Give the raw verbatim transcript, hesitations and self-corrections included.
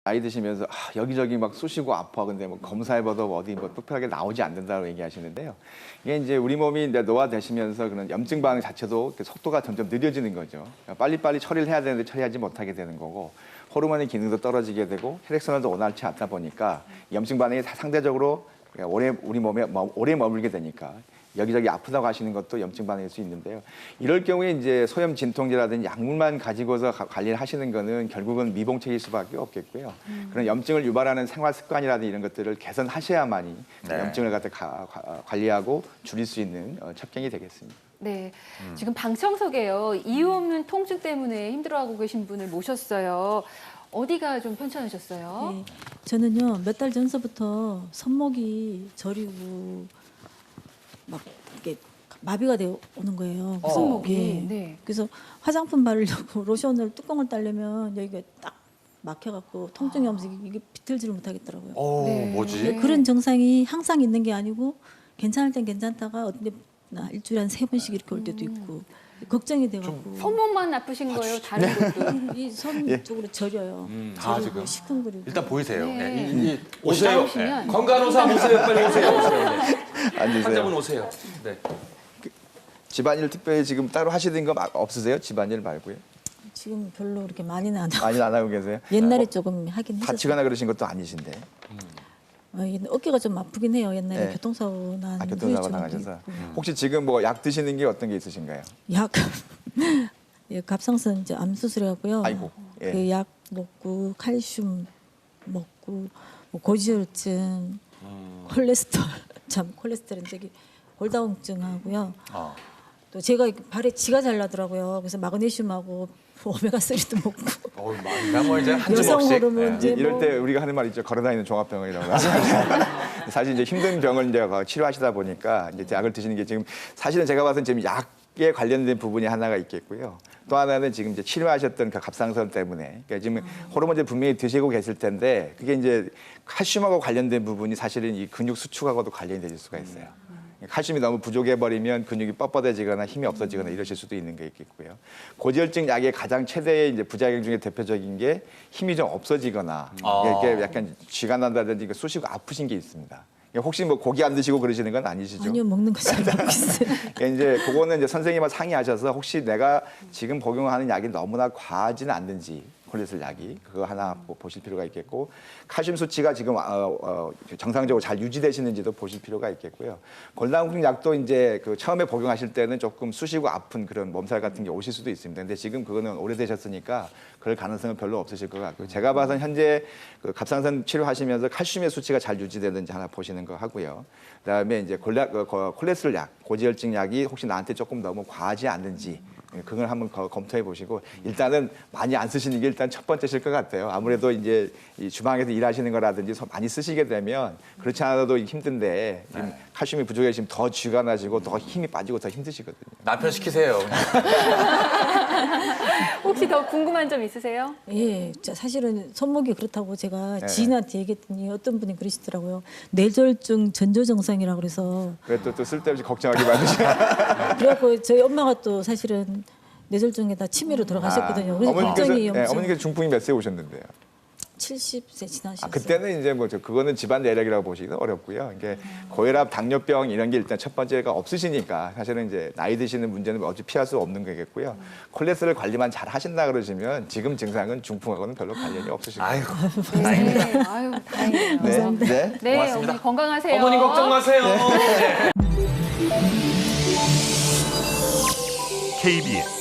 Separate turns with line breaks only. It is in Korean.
나이 드시면서 아, 여기저기 막 쑤시고 아파. 근데 뭐 검사해봐도 어디 뭐 특별하게 나오지 않는다고 얘기하시는데요. 이게 이제 우리 몸이 이제 노화되시면서 그런 염증 반응 자체도 속도가 점점 느려지는 거죠. 그러니까 빨리빨리 처리를 해야 되는데 처리하지 못하게 되는 거고 호르몬의 기능도 떨어지게 되고 혈액순환도 원활치 않다 보니까 염증 반응이 상대적으로 오래 우리 몸에 오래 머물게 되니까 여기저기 아프다고 하시는 것도 염증 반응일 수 있는데요. 이럴 경우에 이제 소염 진통제라든지 약물만 가지고서 관리를 하시는 거는 결국은 미봉책일 수밖에 없겠고요. 음. 그런 염증을 유발하는 생활 습관이라든지 이런 것들을 개선하셔야만이 네. 염증을 갖다 가, 가, 관리하고 줄일 수 있는 어, 첩경이 되겠습니다.
네, 음. 지금 방청석에요. 이유 없는 통증 때문에 힘들어하고 계신 분을 모셨어요. 어디가 좀 편찮으셨어요?
네, 저는요 몇 달 전서부터 손목이 저리고 막 이렇게 마비가 되어 오는 거예요.
어. 손목이.
예.
네.
그래서 화장품 바르려고 로션을 뚜껑을 따려면 여기가 딱 막혀갖고 통증이 오면서 이게 비틀지를 못하겠더라고요.
어,
네.
뭐지?
네.
그런 증상이 항상 있는 게 아니고 괜찮을 땐 괜찮다가 어떤 나 일주일에 한 세 번씩 이렇게 올 때도 있고 걱정이 돼갖고
손목만 아프신 거예요? 다른 것도?
이 손
예.
쪽으로 저려요.
음, 다
저리고
지금.
시큰거리고.
일단 보이세요.
네.
네. 이, 이,
오세요.
오세요.
오시면.
네. 건강의사 오세요. 빨리 오세요. 오세요. 네.
앉으세요.
환자분 오세요. 네.
집안일 특별히 지금 따로 하시는 거 없으세요? 집안일 말고요?
지금 별로 그렇게 많이는 안 하고
많이 안 하고 계세요?
옛날에 조금 하긴 했었어요.
다치거나 그러신 것도 아니신데.
어, 어깨가 좀 아프긴 해요. 옛날에
네.
교통사고 난
아, 교통사고
후유증도
나가셔서.
있고.
혹시 지금 뭐 약 드시는 게 어떤 게 있으신가요?
약 예, 갑상선 이제 암 수술해갖고요.
아이고, 예.
그 약 먹고 칼슘 먹고 뭐 고지혈증,
음.
콜레스테롤 참 콜레스테롤 저기 골다공증하고요.
어.
또 제가 발에 지가 잘 나더라고요. 그래서 마그네슘하고 오메가삼도 먹고
어, 많이 뭐 이제 한
여성
주먹씩.
호르몬
네.
이제
이럴
뭐
때 우리가 하는 말 있죠. 걸어다니는 종합병원이라고. 사실 이제 힘든 병을 이제 치료하시다 보니까 이제 약을 드시는 게 지금 사실은 제가 봐서는 지금 약에 관련된 부분이 하나가 있겠고요. 또 하나는 지금 이제 치료하셨던 그 갑상선 때문에 그러니까 지금 호르몬제 분명히 드시고 계실 텐데 그게 이제 칼슘하고 관련된 부분이 사실은 이 근육 수축하고도 관련이 될 수가 있어요. 칼슘이 너무 부족해버리면 근육이 뻣뻣해지거나 힘이 없어지거나 이러실 수도 있는 게 있겠고요. 고지혈증 약의 가장 최대의 이제 부작용 중에 대표적인 게 힘이 좀 없어지거나
아.
이렇게 약간 쥐가 난다든지 쑤시고 아프신 게 있습니다. 혹시 뭐 고기 안 드시고 그러시는 건 아니시죠?
아니요 먹는 거 잘 먹고 있어요.
그러니까 이제 그거는 이제 선생님과 상의하셔서 혹시 내가 지금 복용하는 약이 너무나 과하지는 않는지 콜레스테롤 약이 그거 하나 보실 필요가 있겠고 칼슘 수치가 지금 어, 어, 정상적으로 잘 유지되시는지도 보실 필요가 있겠고요. 골다공증 약도 이제 그 처음에 복용하실 때는 조금 쑤시고 아픈 그런 몸살 같은 게 오실 수도 있습니다. 근데 지금 그거는 오래되셨으니까 그럴 가능성은 별로 없으실 것 같고요. 제가 봐서는 현재 그 갑상선 치료하시면서 칼슘의 수치가 잘 유지되는지 하나 보시는 거 하고요. 그다음에 이제 골라, 그, 콜레스테롤 약, 고지혈증 약이 혹시 나한테 조금 너무 과하지 않는지 그걸 한번 검토해 보시고 일단은 많이 안 쓰시는 게 일단 첫 번째실 것 같아요. 아무래도 이제 이 주방에서 일하시는 거라든지 많이 쓰시게 되면 그렇지 않아도 힘든데 지금 칼슘이 부족해지면 더 쥐가 나시고 더 힘이 빠지고 더 힘드시거든요.
남편 시키세요.
혹시 더 궁금한 점 있으세요?
예, 자, 사실은 손목이 그렇다고 제가
네.
지인한테 얘기했더니 어떤 분이 그러시더라고요. 뇌졸중 전조증상이라고 그래서
그래도 또 쓸데없이 걱정하기 많으시죠.
그래갖고 저희 엄마가 또 사실은 뇌졸중에다 치매로 돌아가셨거든요. 그래서
어머니께서,
걱정이
네,
엄청
어머니께서 중풍이 몇 세 오셨는데요?
칠십 세 지나셨어요.
아, 그때는 이제 뭐 저 그거는 집안 내력이라고 보시기는 어렵고요. 이게 고혈압, 당뇨병 이런 게 일단 첫 번째가 없으시니까 사실은 이제 나이 드시는 문제는 어찌 피할 수 없는 거겠고요. 콜레스테롤 관리만 잘 하신다 그러시면 지금 증상은 중풍하고는 별로 관련이 없으실 거예요.
아이고.
네, 아유, 다행이에요.
네, 네.
네,
고맙습니다.
어머니 건강하세요.
어머니 걱정 마세요. 네.
케이비에스